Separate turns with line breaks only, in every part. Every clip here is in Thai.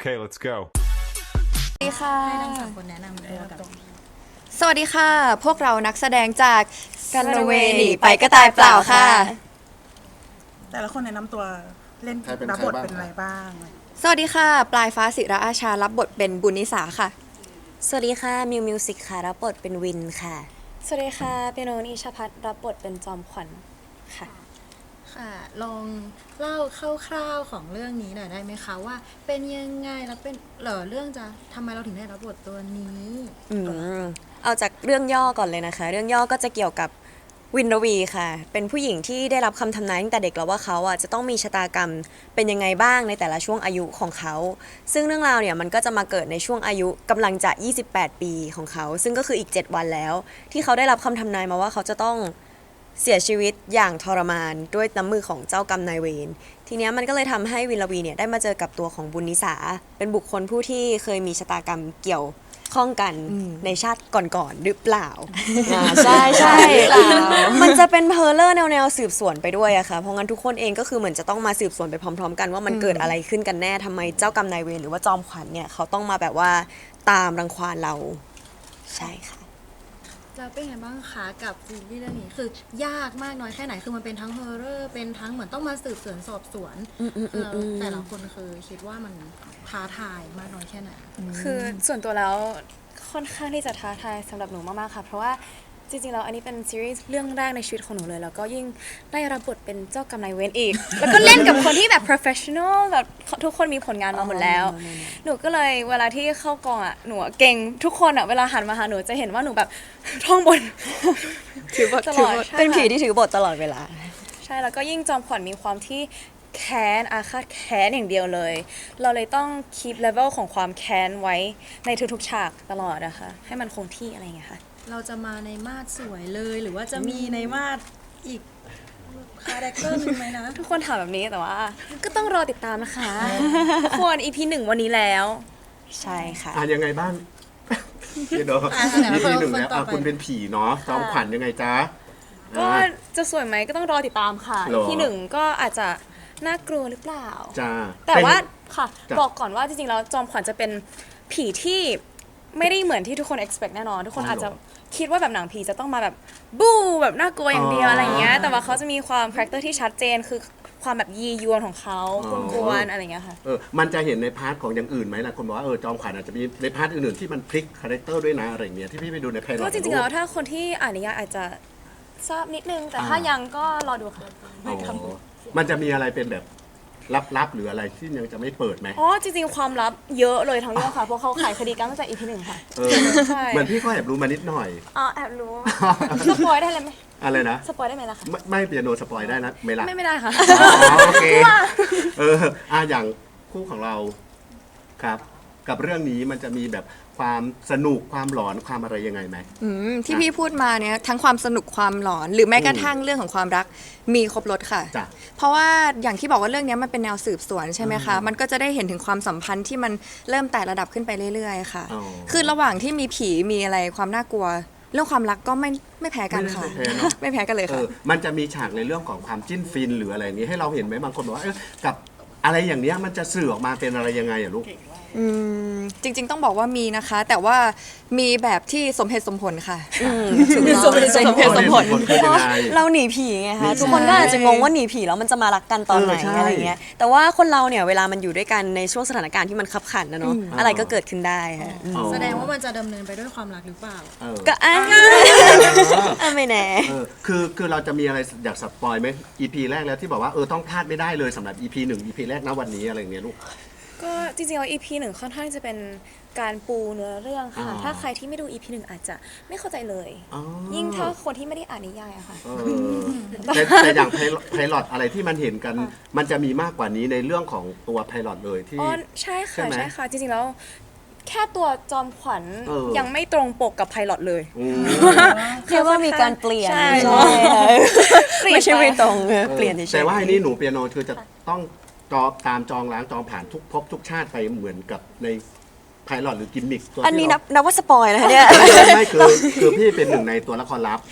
Okay, let's go.
สวัสดีค่ะ
ให้ทั้งสามคนแนะนำตัวกับ
สวัสดีค่ะ พวกเรานักแสดงจากกันเวหนีไปก็ตายเปล่าค่ะ
แต่ละคนแนะนำตัวเล่น
ใครเป็น
รับบท
ใครบ้าง
เป็นอะไรบ้าง
สวัสดีค่ะ ปลายฟ้าศิระอาชารับบทเป็นบุญนิสาค่ะ
สวัสดีค่ะมิวมิวสิกค่ะรับบทเป็นวินค่ะ
สวัสดีค่ะเปียโนนิชพัฒน์รับบทเป็นจอมขวัญค่ะ
ค่ะ ลองเล่าคร่าวๆของเรื่องนี้หน่อยได้ไหมคะว่าเป็นยังไงแล้วเป็นเรื่องจะทำไมเราถึงได้รับบทตัวนี้
เอาจากเรื่องย่อก่อนเลยนะคะ เรื่องย่อก็จะเกี่ยวกับวินรวีค่ะ เป็นผู้หญิงที่ได้รับคำทำนายตั้งแต่เด็กแล้วว่าเขาอ่ะจะต้องมีชะตากรรมเป็นยังไงบ้างในแต่ละช่วงอายุของเขา ซึ่งเรื่องราวเนี่ยมันก็จะมาเกิดในช่วงอายุกำลังจะ 28 ปีของเขา ซึ่งก็คืออีก 7 วันแล้ว ที่เขาได้รับคำทำนายมาว่าเขาจะต้องเสียชีวิตอย่างทรมานด้วยน้ำมือของเจ้ากรรมนายเวร ทีเนี้ยมันก็เลยทำให้วินรวีเนี่ยได้มาเจอกับตัวของบุญนิสา เป็นบุคคลผู้ที่เคยมีชะตากรรมเกี่ยวข้องกันในชาติก่อนๆหรือเปล่า ใช่ใช่มันจะเป็นเพอเลอร์แนวสืบสวนไปด้วยอะค่ะ เพราะงั้นทุกคนเองก็คือเหมือนจะต้องมาสืบสวนไปพร้อมๆกันว่ามันเกิดอะไรขึ้นกันแน่ทำไมเจ้ากรรมนายเวรหรือว่าจอมขวัญเนี่ยเขาต้องมาแบบว่าตามรังควานเราใช่ค่ะ
แล้วเป็นไงบ้างคะกับซีรีส์เรื่องนี้คือยากมากน้อยแค่ไหนคือมันเป็นทั้งฮอร์เรอร์เป็นทั้งเหมือนต้องมาสืบสวนสอบสวนแล้วแต่ละคนคือคิดว่ามันท้าทายมากน้อยแค่ไหน
คือส่วนตัวแล้วค่อนข้างที่จะท้าทายสำหรับหนูมากๆค่ะ เพราะว่าจริงๆแล้วอันนี้เป็นซีรีส์เรื่องแรกในชีวิตของหนูเลย แล้วก็ยิ่งได้รับบทเป็นเจ้ากรรมนายเวรอีก แล้วก็เล่นกับคนที่แบบ professional แบบทุกคนมีผลงานมาหมดแล้ว หนูก็เลยเวลาที่เข้ากองอ่ะหนูอะเก่งทุกคนอ่ะเวลาหันมาหาหนูจะเห็นว่าหนูแบบท่องบท
ถือบท
ตลอดใช่
เป็นผี
ค่ะ
ที่ถือบทตลอดเวลา
ใช่แล้วก็ยิ่งจอมขวัญมีความที่แค้นอาฆาตแค้นอย่างเดียวเลย เราเลยต้องคีปเลเวลของความแค้นไว้ในทุกๆฉากตลอดนะคะให้มันคงที่อะไรอย่างเงี้ยค่ะ
เราจะมาในมาดสวยเลยหรือว่าจะมีในมาดอีกคาแรคเตอร์หนึงไหมนะ
ทุกคนถามแบบนี้แต่ว่า ก็ต้องรอติดตามนะคะทุกคน EP 1 วันนี้แล้ว
ใช่ค่ะ
ยังไงบ้างพี่โด
ไหน
อี
ค
พี
น
หนึ่ง
คน
แล้ว
ต่อไป
คุณเป็นผีเนาะจอมขวัญยังไงจ๊ะ
ก็จะสวยไหมก็ต้องรอติดตามค่ะ
หรอ
EP 1 ก็อาจจะน่ากลัวหรือเปล่า
จ้า
แต่ว่าค่ะ
จ้ะ
บอกก่อนว่าจริงๆแล้วจอมขวัญจะเป็นผีที่ไม่ได้เหมือนที่ทุกคน expect แน่นอน ทุกคนอาจจะคิดว่าแบบหนังผีจะต้องมาแบบบู๊แบบน่ากลัวอย่างเดียวอะไรอย่างเงี้ยแต่ว่าเขาจะมีความคาแรคเตอร์ที่ชัดเจนคือความแบบยียวนของเขากวนๆอะไรอย่างเงี้ยค่ะ
มันจะเห็นในพาร์ทของอย่างอื่นไหมล่ะคนบอกว่าจอมขวัญอาจจะมีในพาร์ทอื่นๆที่มันพลิกคาแรคเตอร์ด้วยนะอะไรอย่างเงี้ยที่พี่ไปดูในไพลอต
ก็จริงๆแล้วถ้าคนที่อ่านนิยายอาจจะทราบนิดนึง แต่ถ้ายังก็รอดูค่ะ
มันจะมีอะไรเป็นแบบลับๆหรืออะไรที่ยังจะไม่เปิดไหม
อ๋อจริงๆความลับเยอะเลยทั้งเรื่องค่ะเพราะเขาขายคดีกันตั้งแต่ EP 1 ค่ะ ใช่
เหมือนพี่ก็แอบรู้มานิดหน่อย
อ๋อแอบรู้สปอยได้เลยไหม
อะไรนะ
สปอยได้ไหมล่ะคะ
ไม่เปียโนสปอยได้นะไม่ละ
ไม่ได้ค่ะ
อ๋อโอเคอย่างคู่ของเราครับ กับเรื่องนี้มันจะมีแบบความสนุกความหลอนความอะไรยังไงไหม
ที่พี่พูดมาเนี่ยทั้งความสนุกความหลอน หรือแม้กระทั่งเรื่องของความรักมีครบรถค่ะ
จ้ะ
เพราะว่าอย่างที่บอกว่าเรื่องนี้มันเป็นแนวสืบสวนใช่ไหมคะ มันก็จะได้เห็นถึงความสัมพันธ์ที่มันเริ่มไต่ระดับขึ้นไปเรื่อยๆค่ะ
อ๋อ
คือระหว่างที่มีผีมีอะไรความน่ากลัว เรื่องความรักก็ไม่แพ้กันค่ะ
ไม่แพ้เนอะ
ไม่แพ้กันเลยค่ะ
มันจะมีฉากในเรื่องของความจิ้นฟินหรืออะไรอย่างนี้ให้เราเห็นไหมบางคนบอกว่ากับอะไรอย่างเนี้ยมันจะสื่อออกมาเป็นอะไรยังไงอะลูก
จริงๆต้องบอกว่ามีนะคะ แต่ว่ามีแบบที่สมเหตุสมผลค่ะ
สมเหตุสมผล
สมผลคือยังไง
เราหนีผีไง
หนี
คะ
ผี
ทุกคนก็อาจจะงงว่าหนีผีแล้วมันจะมารักกันตอนไหน
ใช่
อะไรเงี้ยแต่ว่าคนเราเนี่ยเวลามันอยู่ด้วยกันในช่วงสถานการณ์ที่มันคับขันนะเนาะอะไรก็เกิดขึ้นได้ค่ะ
อ๋อ
แสดงว่ามันจะดำเนินไปด้วยความรักหรือเปล่า
ก็ไม่แน่
คือเราจะมีอะไรอยากสปอยไหม EP แรกแล้วที่บอกว่าต้องพลาดไม่ได้เลยสำหรับ EP 1 EP แรกนะวันนี้อะไรอย่างเงี้ยลูก
ก็จริงๆแล้ว EP 1 ค่อนข้างจะเป็นการปูเนื้อเรื่องค่ะ
อ๋อ
ถ้าใครที่ไม่ดู EP 1 อาจจะไม่เข้าใจเลย
อ๋อ
ยิ่งถ้าคนที่ไม่ได้อ่านนิยายอะค่ะ
แต่อย่างไพลอตอะไรที่มันเห็นกัน มันจะมีมากกว่านี้ในเรื่องของตัวไพลอตเลยที่
อ๋อใช่
ใช่
ค่ะ
ไหม
ใช่ค่ะ จริงๆแล้วแค่ตัวจอมขวัญ
เออ
ยังไม่ตรงปกกับไพลอตเลย
อืม
เรียกว่ามีการเปลี่ยน
ใช่
ใช่ค่ะไม่ใช่ไม่ตรง
เออ
เปลี่ยนเฉยๆ
แต่ว่าไอ้นี่หนูเปียโนคือจะต้องตามจองล้างจองผ่านทุกภพทุกชาติไปเหมือนกับในไพลอตหรือกิมมิคตัว
อันนี้
ที่
นับว่าสปอยนะคะเนี่ย
ไม่คือพี่เป็นหนึ่งในตัวละครลับ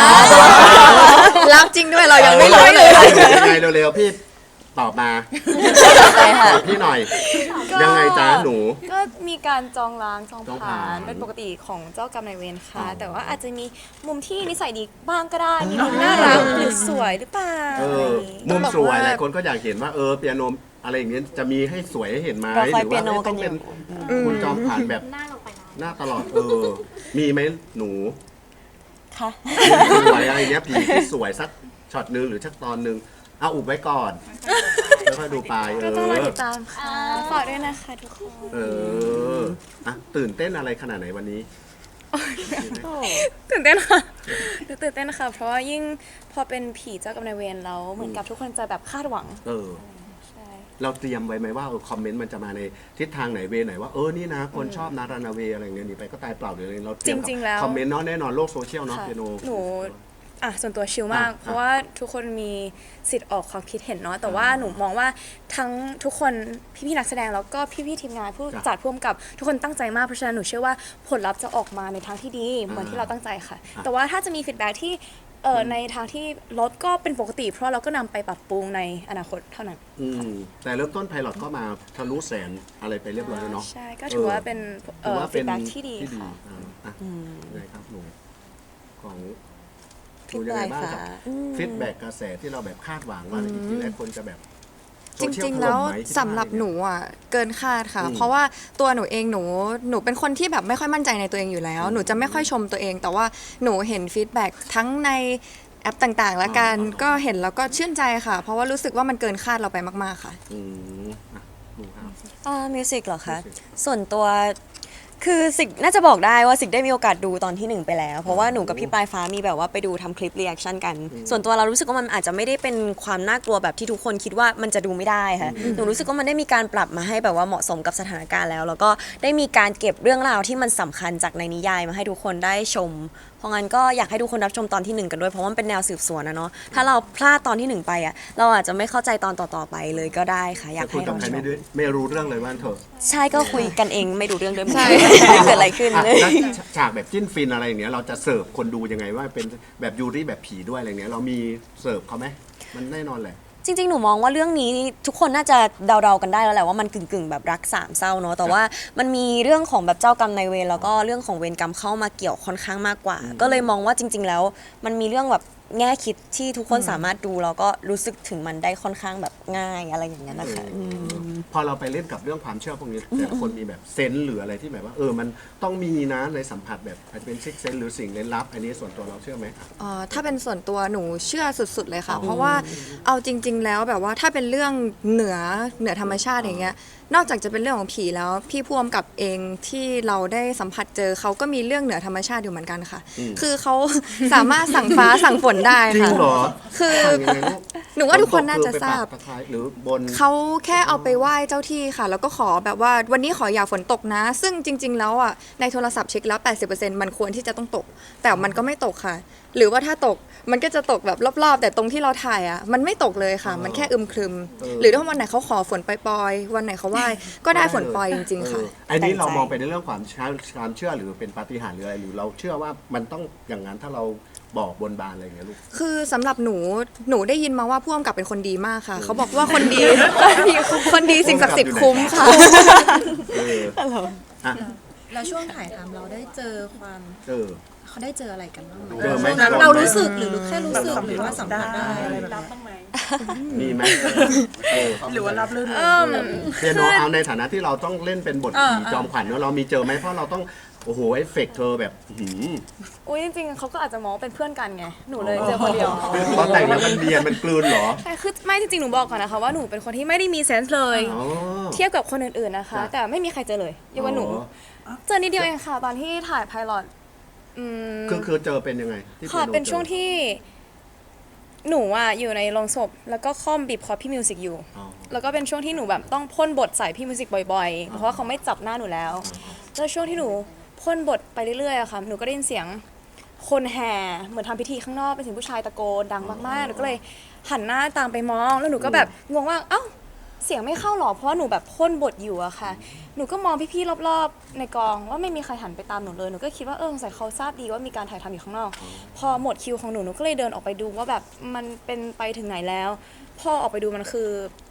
รักจริงด้วยเรายังไม่รู้เลย
ยังไงเร็วๆพี่ตอบมาตอบพี่หน่อย ยังไงจ๊ะหนู
ก็มีการจองล้างจอง
จอง
ผ่า
ผ่าน
นเป็นปกติของเจ้ากรรมนายเวรค่ะ
อ๋อ
แต่ว่าอาจจะมีมุมที่นิสัยดีบ้างก็ได้ มีมุมน่ารักหรือสวยหรือเปล่า
เอ
อะไร
อ
อย่างงี้
มุมสวย
ต้องบอกว่า
หลายคนก็อยากเห็นว่าเปียโนอะไรอย่างเงี้ยจะมีให้สวยให้เห็นไหม
เรา
ห
คอย
รือ
เปีย
ว่า
โน
ไม่
กั
ต้
น
อง
อ
เป็น
ยู่
คุณจอมผ่านแบบหน้าตลอดมีไหมหนู
ค่ะ
สวยอะไรเงี้ยผีที่สวยสักช็อตนึงหรือสักตอนนึงเอาอุบไว้ก่อนแล้วค่อยดูไป
ก็ต้องรอติดตามค่ะฝากด้วยนะคะทุกคน
เอออ่ะตื่นเต้นอะไรขนาดไหนวันนี้
ตื่นเต้นค่ะหนูตื่นเต้นค่ะ เพราะว่ายิ่งพอเป็นผีเจ้ากรรมนายเวรแล้วเหมือนกับทุกคนจะแบบคาดหวัง
เออ
ใช่
เราเตรียมไว้ไหมว่าคอมเมนต์มันจะมาในทิศทางไหนเวไหนว่านี่นะคนชอบนารานาเวอะไรเงี้ยหนีไปก็ตายเปล่าหรืออะไรเราเตรียม
จริงๆแล้ว
คอมเมนต์เนาะแน่นอนโลกโซเชียลเนาะ
ค่ะ
เปียโน
หนูส่วนตัวชิลมาก
อ่ะ
เพราะว่าทุกคนมีสิทธิ์ออกความคิดเห็นเนาะแต่ว่าหนูมองว่าทั้งทุกคนพี่ๆนักแสดงแล้วก็พี่ๆทีมงานผู้
จ้ะ
จัดผู้กำกับทุกคนตั้งใจมากเพราะฉะนั้นหนูเชื่อว่าผลลัพธ์จะออกมาในทางที่ดีเหมือนที่เราตั้งใจค่ะ
อ่ะ
แต่ว่าถ้าจะมีฟีดแบ็ที่ในทางที่ลดก็เป็นปกติ เพราะเราก็นำไปปรับปรุงในอนาคตเท่านั้น
แต่เริ่มต้นไพลอตก็มาทะลุแสนอะไรไปเรียบร้อยแล้วเนาะ
ใช่ก็ถือว่าเป็น
ถือว่า
ฟี
เป็น
ดแบ็ที่ดีค่ะ
อ่ะยังไงครับหนูของห
พี่
นูยัง
ป
ไง
ลาย
บ้าง
ฟ้า
ครับฟีดแบ็กกระแสที่เราแบบคาดหวังว่าจริงๆแล้วคนจะแบบ
จริงๆ แล้วสำหรับหนูอ่ะเกินคาดค่ะ เพราะว่าตัวหนูเองหนูเป็นคนที่แบบไม่ค่อยมั่นใจในตัวเองอยู่แล้ว หนูจะไม่ค่อยชมตัวเอง แต่ว่าหนูเห็นฟีดแบ็กทั้งในแอปต่างๆ แล้วกันก็เห็นแล้วก็ชื่นใจค่ะ เพราะว่ารู้สึกว่ามันเกินคาดเราไปมากๆค่ะ
หนูครับ
มิวสิกเหรอคะ
Music
ส่วนตัวคือสิกน่าจะบอกได้ว่าสิกได้มีโอกาสดูตอนที่หนึ่งไปแล้ว เพราะว่าหนูกับพี่ปลายฟ้ามีแบบว่าไปดูทำคลิปรีแอคชั่นกัน ส่วนตัวเรารู้สึกว่ามันอาจจะไม่ได้เป็นความน่ากลัวแบบที่ทุกคนคิดว่ามันจะดูไม่ได้ค่ะหนูรู้สึกว่ามันได้มีการปรับมาให้แบบว่าเหมาะสมกับสถานการณ์แล้ว แล้วก็ได้มีการเก็บเรื่องราวที่มันสำคัญจากในนิยายมาให้ทุกคนได้ชม เพราะงั้นก็อยากให้ทุกคนรับชมตอนที่หนึ่งกันด้วยเพราะว่ามันเป็นแนวสืบสวนนะเนาะถ้าเราพลาดตอนที่หนึ่งไปอ่ะเราอาจจะไม่เข้าใจตอนต่อๆไปเลยก็ได้ค่ะอยาก
แต่คุ
ให้
ยกับ
ลอง
ใคร
ช
ไม่
ม
ด้วยไม่รู้เรื่องเลยว่าเถอะ
ใช่ก็คุยกันเองไม่ดูเรื่องด้วยเหมือนกันเกิดอะไรขึ้น
อ่ะ
เลย
แล้วฉากแบบจิ้นฟินอะไรอย่างเงี้ยเราจะเสิร์ฟคนดูยังไงว่าเป็นแบบยูริแบบผีด้วยอะไรเงี้ยเรามีเสิร์ฟเขาไหมมันแน่นอนแหละ
จริงๆ หนูมองว่าเรื่องนี้ทุกคนน่าจะเดาๆกันได้แล้วแหละว่ามันกึ่งๆแบบรักสามเศร้าเนาะแต่ว่ามันมีเรื่องของแบบเจ้ากรรมนายเวรแล้วก็เรื่องของเวรกรรมเข้ามาเกี่ยวค่อนข้างมากกว่า ก็เลยมองว่าจริง ๆ แล้วมันมีเรื่องแบบแง่คิดที่ทุกคนสามารถดูแล้วก็รู้สึกถึงมันได้ค่อนข้างแบบง่ายอะไรอย่างเงี้ยนะคะ
พอเราไปเล่นกับเรื่องความเชื่อพวกนี้แต่ละคนมีแบบเซนส์หรืออะไรที่แบบว่ามันต้องมีนะในสัมผัสแบบอาจจะเป็นซิกเซนหรือสิ่งเล่นลับ อันนี้ส่วนตัวเราเชื่อไหม
ถ้าเป็นส่วนตัวหนูเชื่อสุดๆเลยค่ะ เพราะว่าเอาจริง ๆ แล้วแบบว่าถ้าเป็นเรื่องเหนือธรรมชาติอย่างเงี้ยนอกจากจะเป็นเรื่องของผีแล้วพี่พ่วงกับเองที่เราได้สัมผัสเจอเขาก็มีเรื่องเหนือธรรมชาติอยู่เหมือนกันค่ะ คือเขาสามารถสั่งฟ้าสั่งฝนได้
จริง
ค่ะ
เหรอ
คือ
ทำยังไงลูก
หนูว่าทุกคนน่าจะทราบ
ฝนตกคือไปปักตะไคร้หรือบน
เขาแค่เอาไปไหว้เจ้าที่ค่ะ แล้วก็ขอแบบว่าวันนี้ขออย่าฝนตกนะ ซึ่งจริง ๆ แล้วอ่ะในโทรศัพท์เช็คแล้ว 80%มันควรที่จะต้องตก แต่มันก็ไม่ตกค่ะ หรือว่าถ้าตกมันก็จะตกแบบรอบๆ แต่ตรงที่เราถ่ายอ่ะมันไม่ตกเลยค่ะ มันแค่อึมครึม หรือถ้าวันไหนเขาขอฝนปล่อยๆวันไหนเขาไหว้ก็ได้ฝนปล่อยจริง ๆ ค่ะ
อันนี้เรามองไปในเรื่องความเชื่อหรือเป็นปาฏิหาริย์หรืออะไรหรือเราเชื่อว่ามันต้องอย่างนั้นถ้าเราบอกบนบานอะไรอย่างเงี้ยลูก
คือสำหรับหนูได้ยินมาว่าผู้กำกับเป็นคนดีมากค่ะ เขาบอกว่าคนดี คนดีสิ่งศักดิ์สิทธิ์คุ้มค่ะ
อ่ะ
แล้วช่วงถ่ายทำเราได้เจอความ เขาได้เจออะไรกันบ้างไหม
เจอไหม
ช่วงนั้นเรารู้สึกหรือแค่รู้สึกหรือว่าสัมผัสได้
อะไรแบบนี้
มีไหม
หรือว่ารับลื่น
เปียโนเอาในฐานะที่เราต้องเล่นเป็นบทผีจอมขวัญเนอะเรามีเจอไหมเพราะเราต้องโอ้โหเอฟเฟกต์เธอแบบ
อุ้ยจริงๆเขาก็อาจจะมองว่าเป็นเพื่อนกันไงหนูเลยเจอคนเดียว
ตอนแต่งแล้วมันเนียนมันกลืนเหรอ
ใช่คือไม่จริงๆหนูบอกก่อนนะคะว่าหนูเป็นคนที่ไม่ได้มีเซนส์เลย
อ๋อ
เทียบกับคนอื่นๆนะคะ
จ้ะ
แต่ไม่มีใครเจอเลยยกเว้นหนู เจอนิดเดียวเองค่ะ ตอนที่ถ่ายไพลอต
คือเจอเป็นยังไงที่
ค่ะ
ยโ
เป็นช่วงที่หนูอ่ะอยู่ในโรงศพแล้วก็ค่อมบีบคอพี่มิวสิกอยู่
อ๋อ
แล้วก็เป็นช่วงที่หนูแบบต้องพ่นบทใส่พี่มิวสิกบ่อยๆ เพราะว่าเขาไม่จับหน้าหนูแล้วแล้วช่วงที่หนูพ่นบทไปเรื่อยๆอะค่ะหนูก็ได้ยินเสียงคนแห่เหมือนทำพิธีข้างนอกเป็นเสียงผู้ชายตะโกนดังมากๆหนูก็เลยหันหน้าตามไปมองแล้วหนูก็แบบงงว่าเอ้าเสียงไม่เข้าหรอเพราะว่าหนูแบบพ่นบทอยู่อะค่ะหนูก็มองพี่ๆรอบๆในกองว่าไม่มีใครหันไปตามหนูเลยหนูก็คิดว่าสงสัยเขาทราบดีว่ามีการถ่ายทำอยู่ข้างนอกพอหมดคิวของหนูก็เลยเดินออกไปดูว่าแบบมันเป็นไปถึงไหนแล้วพอออกไปดูมันคือ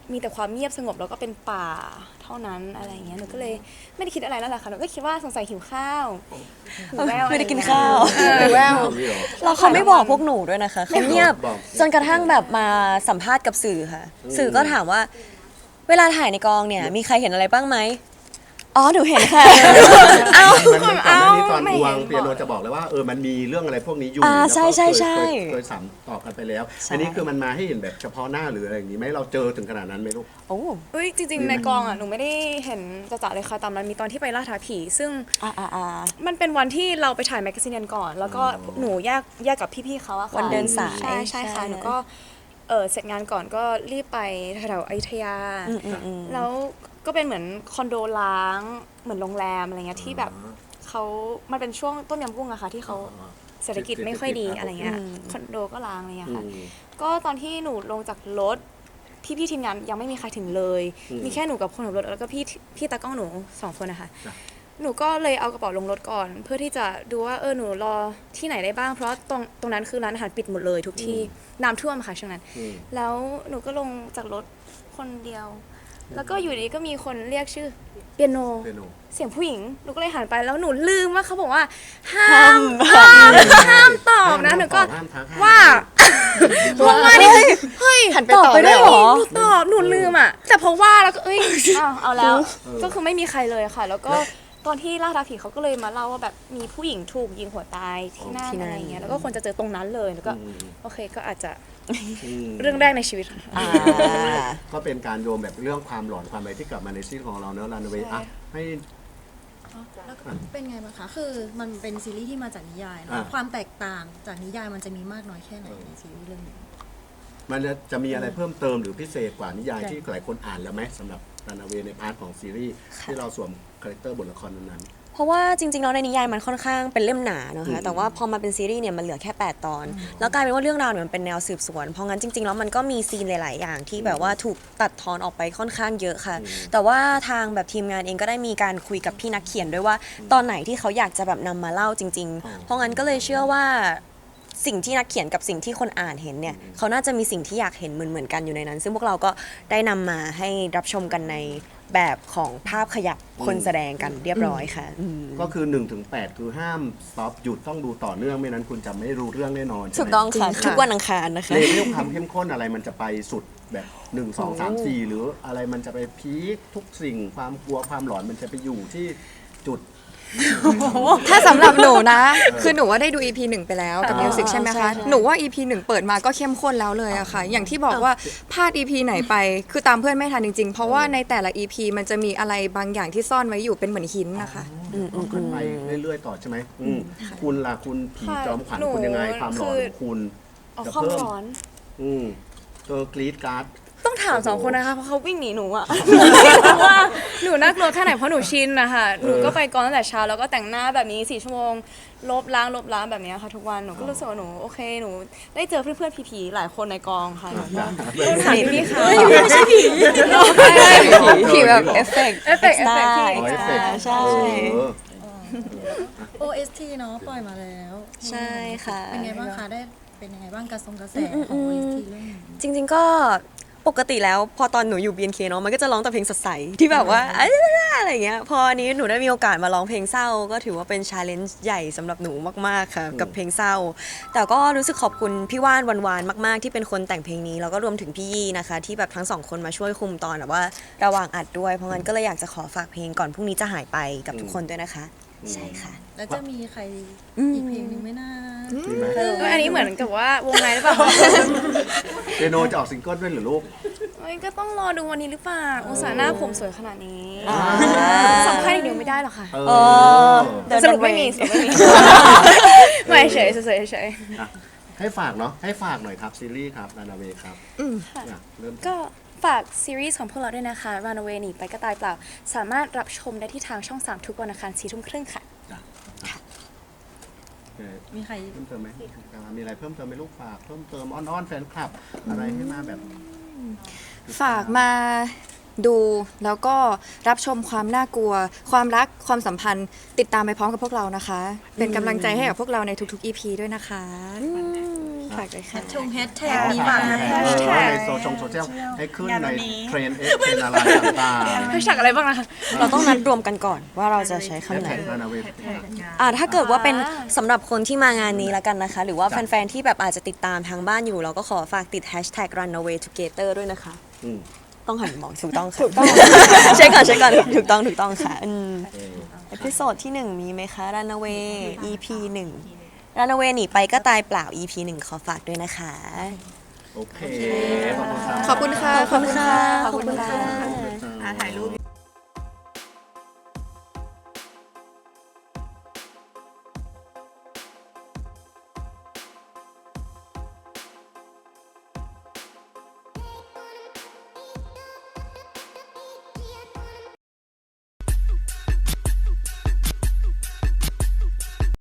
มีแต่ความเงียบสงบแล้วก็เป็นป่าเท่านั้นอะไรอย่างเงี้ยหนูก็เลยไม่ได้คิดอะไรแล้วแหละค่ะหนูก็คิดว่าสงสัยหิวข้าวหิวแวว
ไม่ได้กินข้าว
แวว
นี่เหรอ
แล้วเขาไม่บอกพวกหนูด้วยนะคะเขาเงียบ
บอก
จนกระทั่งแบบมาสัมภาษณ์กับสื่อค่ะ สื่อก็ถามว่า เวลาถ่ายในกองเนี่ย มีใครเห็นอะไรบ้างไหมอ๋อหนูเห็นค่ะ เอ้า
มันก่อนหน้านี้ตอน
ไม่
ว
เห็
ง
น
เปียโนจะบอกเลยว่ามันมีเรื่องอะไรพวกนี้อยู่
อ่า
แล้วก็
ใช่ใช่ใช่
เคยสัมตอบกันไปแล้ว
ใช่
อันนี้คือมันมาให้เห็นแบบเฉพาะหน้าหรืออะไรอย่างนี้ไหมเราเจอถึงขนาดนั้นไหมลูก
โอ้
เอ้ยจริงๆในกองอ่ะหนูไม่ได้เห็นจะๆเลยค่ะตอนนั้นมีตอนที่ไปล่าท้าผี ซึ่ง
อ่า
มันเป็นวันที่เราไปถ่ายแมกกาซีนกันก่อน แล้วก็หนูแยกกับพี่ๆเขาอะค่ะ
วันเดินสาย
ใช่ค่ะหนูก็เสร็จงานก่อนก็รีบไปแถวๆอยุธยา แล้วก็เป็นเหมือนคอนโดล้างเหมือนโรงแรมอะไรเงี้ยที่แบบเขามันเป็นช่วงต้มยำกุ้งอะค่ะที่เขาเศรษฐกิจไม่ค่อยดีอะไรเงี้ยคอนโดก็ล้างอะไรเงี้ยค่ะ ก็ตอนที่หนูลงจากรถพี่ทีมงานยังไม่มีใครถึงเลย มีแค่หนูกับคนขับรถแล้วก็พี่ตากล้องหนู2 คนนะคะ
จ้ะ
หนูก็เลยเอากระเป๋าลงรถก่อน เพื่อที่จะดูว่าหนูรอที่ไหนได้บ้างเพราะตรงนั้นคือร้านอาหารปิดหมดเลยทุกที่น้ำท่วมค่ะช่วงนั้น แล้วหนูก็ลงจากรถคนเดียว แล้วก็อยู่ดีก็มีคนเรียกชื่อเปียโน
เปียโน
เสียงผู้หญิงหนูก็เลยหันไปแล้วหนูลืมว่าเขาบอกว่าห้ามตอบนะหนูก็
ห้ามทักห้ม
ว่าว่านี่เฮ้ย
หันไปตอบได้เหรอ
หนูตอบหนูลืมอ่ะ แต่พอว่าแล้วก็เอ้ยเอาแล้ว ก็คือไม่มีใครเลยค่ะ แล้วก็ตอนที่ล่าท้าผีเขาก็เลยมาเล่าว่าแบบมีผู้หญิงถูกยิงหัวตายที่นั่นอะไรอย่างเงี้ยแล้วก็คนจะเจอตรงนั้นเลยแล้วก็โอเคก็อาจจะ
ม
เรื่องแรกในชีวิตค่ะ
ก็เป็นการโยมแบบเรื่องความหลอนความอะไรที่กลับมาในซีรีส์ของเราเนอะรันเวย์อ่ะให้
แล้วก็เป็นไงบ้างคะ คือมันเป็นซีรีส์ที่มาจากนิยายเน
อ่า
อะความแตกต่างจากนิยายมันจะมีมากน้อยแค่ไหนในซีรีส์เรื่องนี้
มันจะมีอะไรเพิ่มเติมหรือพิเศษกว่านิยายที่หลายคนอ่านแล้วไหมสำหรับรันเวย์ในพาร์ทของซีรีส์ที่เราสวมคาแรคเตอร์บทละครนั้น
เพราะว่าจริงๆแล้วในนิยายมันค่อนข้างเป็นเล่มหนาเนอะคะแต่ว่าพอมาเป็นซีรีส์เนี่ยมันเหลือแค่ 8 ตอน แล้วกลายเป็นว่าเรื่องราวเนี่ยมันเป็นแนวสืบสวน เพราะงั้นจริงๆแล้วมันก็มีซีนหลายๆอย่างที่แบบว่าถูกตัดทอนออกไปค่อนข้างเยอะค่ะ แต่ว่าทางแบบทีมงานเองก็ได้มีการคุยกับพี่นักเขียนด้วยว่าตอนไหนที่เขาอยากจะแบบนำมาเล่าจริง ๆ เพราะงั้นก็เลยเชื่อว่าสิ่งที่นักเขียนกับสิ่งที่คนอ่านเห็นเนี่ยเขาน่าจะมีสิ่งที่อยากเห็นเหมือนกันอยู่ในนั้น ซึ่งพวกเราก็ได้นำมาให้รับชมกันในแบบของภาพขยับคนแสดงกันเรียบร้อยค่ะ
ๆก็คือ1-8คือห้ามสต็อปหยุดต้องดูต่อเนื่องไม่นั้นคุณจะไม่รู้เรื่องแน่นอน
ถูกต้องค่ะทุกวันอังคารนะคะ
เลเวลความเข้มข้นอะไรมันจะไปสุดแบบ1 2 3 4หรืออะไรมันจะไปพีคทุกสิ่งความกลัวความหลอนมันจะไปอยู่ที่จุด
ถ้าสำหรับหนูนะ คือหนูว่าได้ดู EP 1 ไปแล้วกับ
อ่า
มิวสิกใช่ไหม
ใช่
คะ
ใช่
หนูว่า EP 1 เปิดมาก็เข้มข้นแล้วเลยอะค่ะ อย่างที่บอกว่าพลาด EP ไหนไป คือตามเพื่อนไม่ทันจริงๆ เพราะว่าในแต่ละ EP มันจะมีอะไรบางอย่างที่ซ่อนไว้อยู่เป็นเหมือนหินนะคะ
ต้องขึ้นไปเรื่อยๆต่อใช่ไหมคุณล่ะคุณผีจอมขวัญ
หนู
คุณยังไงความหลอนของคุณ
อ๋อ
จะ
ความ
เพิ่ม
ร้อน
กรีดการ์ด
ต้องถาม2 คนนะคะเพราะเขาวิ่งหนีหนูอะ เพราะว่าหนูน่ากลัวแค่ไหนเพราะหนูชินนะคะหนูก็ไปกองตั้งแต่เช้าแล้วก็แต่งหน้าแบบนี้4 ชั่วโมงลบล้างแบบนี้ค่ะทุกวันหนูก็รู้สึกว่าหนูโอเคหนูได้เจอเพื่อนๆผีๆหลายคนในกองค่ะหนูก็ต้องถามพี่ๆเขา
ผีแบบเอฟเฟกต์
เอฟเฟกต์
ได้
อ๋อเอฟเฟกต์
ใช่
OST เนาะปล่อยมาแล้ว
ใช่ค่ะ
เป็นไงบ้างคะได้เป็นยังไงบ้างกระแสของ OST เรื่องนี้
จริงๆก็ปกติแล้วพอตอนหนูอยู่ BNK เนาะมันก็จะร้องแต่เพลงสดใสที่แบบว่าอะไรอย่างเงี้ยพออันนี้หนูได้มีโอกาสมาร้องเพลงเศร้า ก็ถือว่าเป็นชาเลนจ์ใหญ่สำหรับหนูมากๆค่ะกับเพลงเศร้า แต่ก็รู้สึกขอบคุณพี่ว่านวานๆมากๆที่เป็นคนแต่งเพลงนี้แล้วก็รวมถึงพี่ยี่นะคะที่แบบทั้งสองคนมาช่วยคุมตอนแบบว่าระหว่างอัดด้วยเพราะงั้นก็เลยอยากจะขอฝากเพลงก่อนพรุ่งนี้จะหายไปกับทุกคนด้วยนะคะใช่ค่ะ
แล้วจะมีใครอีกเพลงหนึ่งไหมนะ
มีไหม
อันนี้เหมือนกับว่าวงในหรือเปล่า
เปียโนจะออกซิงเกิลด้วยหรือลูก
เอ้ยก็ต้องรอดูวันนี้หรือเปล่าอุตส่าห์หน้าผมสวยขนาดนี้
อ่า
สำคัญอีกเดียวไม่ได้หรอกค่ะ
เออ
The
สรุปไม่มี
Runway
สรุปไม่มี ไม่เฉยเฉยเฉย
ให้ฝากเนาะให้ฝากหน่อยครับซีรีส์ครับรันเวย์ครับเริ่ม
ก็ฝากซีรีส์ของพวกเราด้วยนะคะ Runaway หนีไปก็ตายเปล่า สามารถรับชมได้ที่ทางช่อง 3 ทุกวันอังคาร 4:30 ค่ะ
มีใคร
เพิ่มเติมไหมมีอะไรเพิ่มเติมไหมลูกฝากเพิ่มเติมอ้อนๆแฟนคลับ อะไรให้มาแบบ
ฝากมาดูแล้วก็รับชมความน่ากลัว ความรักความสัมพันธ์ติดตามไปพร้อมกับพวกเรานะคะ เป็นกำลังใจให้กับพวกเราในทุกๆ EP ด้วยนะคะ
ฝากด้วยค่ะ
แฮชแท็ก
อ๋อ
นี้
ฝา
มา
กแท็กในโซเชียลให้ขึ้นในเทรนด์เทรนด์อะไรต่าง
แฮชแท็กอะไรบ้างนะคะ
เราต้องนัดรวมกันก่อนว่าเราจะใช้
ๆ
คำไหน
แท็กนาเวท
ถ้าเกิดว่าเป็นสำหรับคนที่มางานนี้แล้วกันนะคะ หรือว่าแฟนๆที่แบบอาจจะติดตามทางบ้านอยู่ เราก็ขอฝากติด hashtag runaway together ด้วยนะคะ ต้องหันมองถูกต้องค่ะเช็คก่อนถูกต้องค่ะเอพิโซดที่ 1 มีไหมคะ runaway EP 1 runaway หนีไปก็ตายเปล่า EP 1 ขอฝากด้วยนะคะ
โอเค
ขอบคุณค่ะ
ขอบคุณค่ะ
ขอบคุณค่ะ
ถ่ายรูป